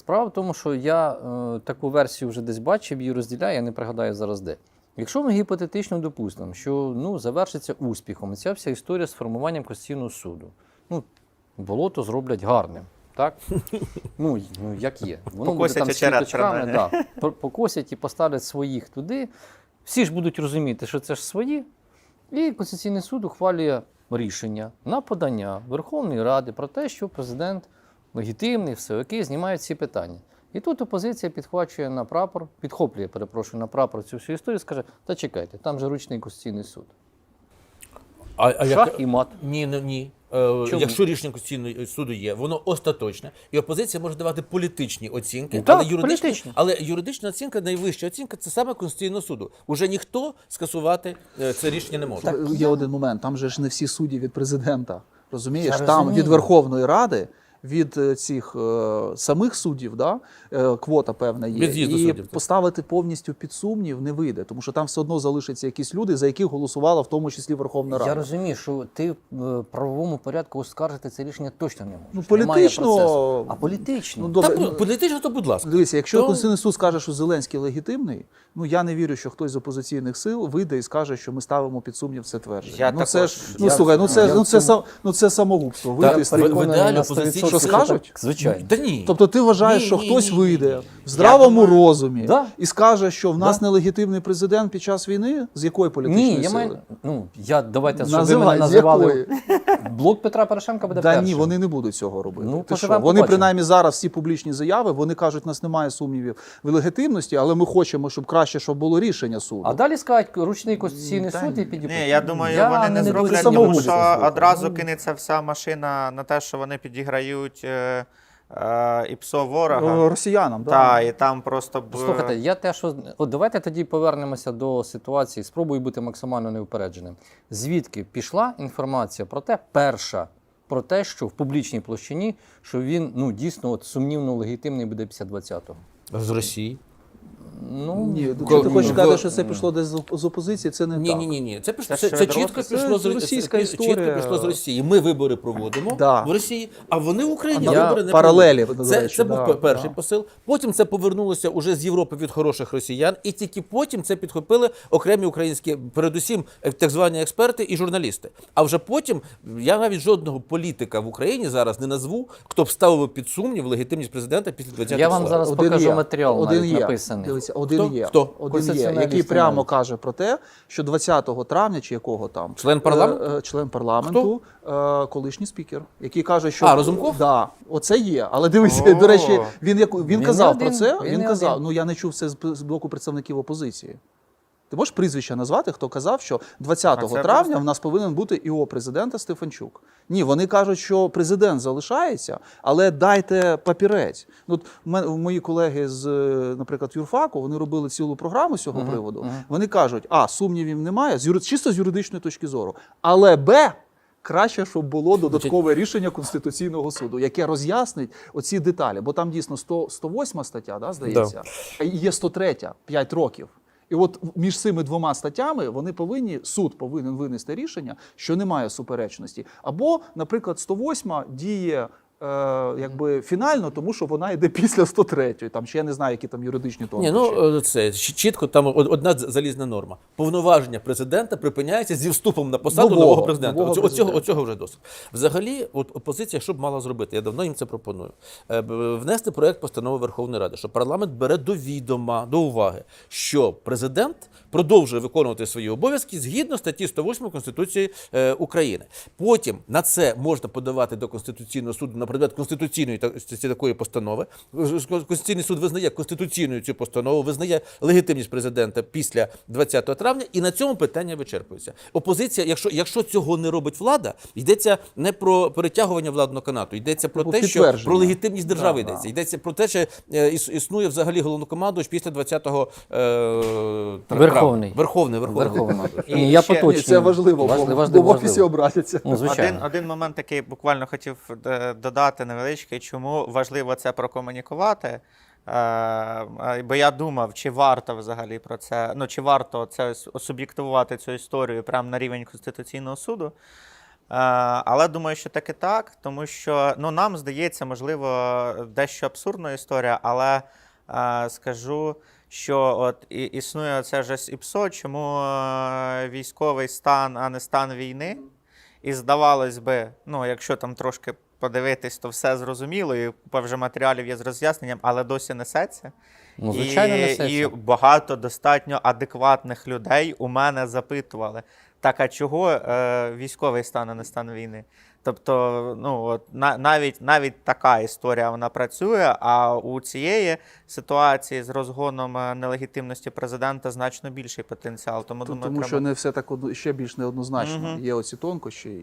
Справа в тому, що я таку версію вже десь бачив, її розділяю, я не пригадаю зараз де. Якщо ми гіпотетично допустимо, що завершиться успіхом ця вся історія з формуванням Конституційного суду, болото зроблять гарним. Так? Як є. Воно буде там з квіточками, покосять і поставлять своїх туди. Всі ж будуть розуміти, що це ж свої. І Конституційний суд ухвалює рішення на подання Верховної Ради про те, що президент легітимний, все окей, знімають ці питання. І тут опозиція підхоплює на прапор цю всю історію, скаже, та чекайте, там же ручний Конституційний суд. Шах і мат. Ні. Якщо рішення Конституційного суду є, воно остаточне, і опозиція може давати політичні оцінки, але юридична оцінка, найвища оцінка, це саме Конституційного суду. Уже ніхто скасувати це рішення не може. Є один момент, там же ж не всі судді від президента, розумієш? Там від Верховної Ради, від цих самих суддів, квота певна є, і поставити повністю під сумнів не вийде, тому що там все одно залишаться якісь люди, за яких голосувала в тому числі Верховна Рада. Я розумію, що ти в правовому порядку оскаржити це рішення точно не можеш. Політично... А політично? Політично, то будь ласка. Дивіться, якщо Конституційний суд скаже, що Зеленський легітимний, я не вірю, що хтось з опозиційних сил вийде і скаже, що ми ставимо під сумнів це твердження. Це самогубство. В ідеалі опозиційні що скажуть? Звичайно. Та ні. Тобто ти вважаєш, що хтось вийде в здравому розумі і скаже, що в нас нелегітимний президент під час війни? З якої політичної сили? Давайте, щоб ви мене називали. Блок Петра Порошенка буде першим. Ні, вони не будуть цього робити. Вони принаймні зараз всі публічні заяви, вони кажуть, у нас немає сумнівів в легітимності, але ми хочемо, щоб краще, щоб було рішення суду. А далі скажуть, ручний Конституційний суд і підійдуть. Ні, я думаю, вони не зроблять, тому що одразу кинеться вся машина на те, що вони підіграють і ПСО ворога. Росіянам, так. І там просто... Слухайте, давайте тоді повернемося до ситуації, спробую бути максимально неупередженим. Звідки пішла інформація про те, що в публічній площині, що він дійсно сумнівно легітимний буде після 20-го? З Росії? Ні, ти хочеш сказати, що це пішло десь з опозиції, це не так. Ні. Це чітко пішло з Росії. Ми вибори проводимо в Росії, а вони в Україні вибори не паралелі, проводять. Це був перший посил. Потім це повернулося уже з Європи від хороших росіян, і тільки потім це підхопили окремі українські, передусім так звані експерти і журналісти. А вже потім я навіть жодного політика в Україні зараз не назву, хто б ставив під сумнів легітимність президента після 20-го. Я вам зараз покажу матеріал навіть написаний. Один є, який прямо каже про те, що 20 травня, чи якого там, член парламенту, колишній спікер, який каже, що... Разумков? Да, оце є. Але дивіться, до речі, він казав про це, я не чув це з боку представників опозиції. Ти можеш прізвище назвати, хто казав, що 20 травня в нас повинен бути ІО президента Стефанчук? Ні, вони кажуть, що президент залишається, але дайте папірець. Мої колеги з, наприклад, юрфаку, вони робили цілу програму з цього приводу. Вони кажуть, сумнівів немає, чисто з юридичної точки зору, але краще, щоб було додаткове рішення Конституційного суду, яке роз'яснить оці деталі. Бо там дійсно 108 стаття, здається, і є 103, 5 років. І от між цими двома статтями суд повинен винести рішення, що немає суперечності. Або, наприклад, 108 діє фінально, тому що вона йде після 103-ї. Там ще я не знаю, які там юридичні тонкощі. Це чітко, там одна залізна норма. Повноваження президента припиняється зі вступом на посаду нового президента. Оцього вже досить. Взагалі, опозиція що б мала зробити? Я давно їм це пропоную. Внести проєкт постанови Верховної Ради, що парламент бере до уваги, що президент продовжує виконувати свої обов'язки згідно статті 108 Конституції України. Потім на це можна подавати до Конституційного суду на предмет конституційної такої постанови. Конституційний суд визнає конституційною цю постанову, визнає легітимність президента після 20 травня, і на цьому питання вичерпується. Опозиція, якщо цього не робить влада, йдеться не про перетягування владного канату, йдеться про те, що про легітимність держави йдеться. Йдеться про те, що існує взагалі головнокомандувач після 20 Верховний. Верховний. І я поточнюю. Це важливо, бо в офісі обратяться. Один момент, який буквально хотів додати невеличкий, чому важливо це прокомунікувати. Бо я думав, чи варто взагалі про це, чи варто це суб'єктивувати цю історію прямо на рівень Конституційного суду. Але думаю, що таки так, тому що ну, нам здається, можливо, дещо абсурдна історія, але скажу, що от існує це ж ІПСО, чому військовий стан, а не стан війни. І здавалось би, ну, якщо там трошки подивитись, то все зрозуміло, і купа вже матеріалів є з роз'ясненням, але досі несеться. Ну, звичайно, несеться. І багато достатньо адекватних людей у мене запитували, так а чого військовий стан, а не стан війни? Тобто, ну, от, навіть така історія вона працює, а у цієї ситуації з розгоном нелегітимності президента значно більший потенціал. Тому, думаю, Тому що не все так ще більш неоднозначно. Є оці тонкощі.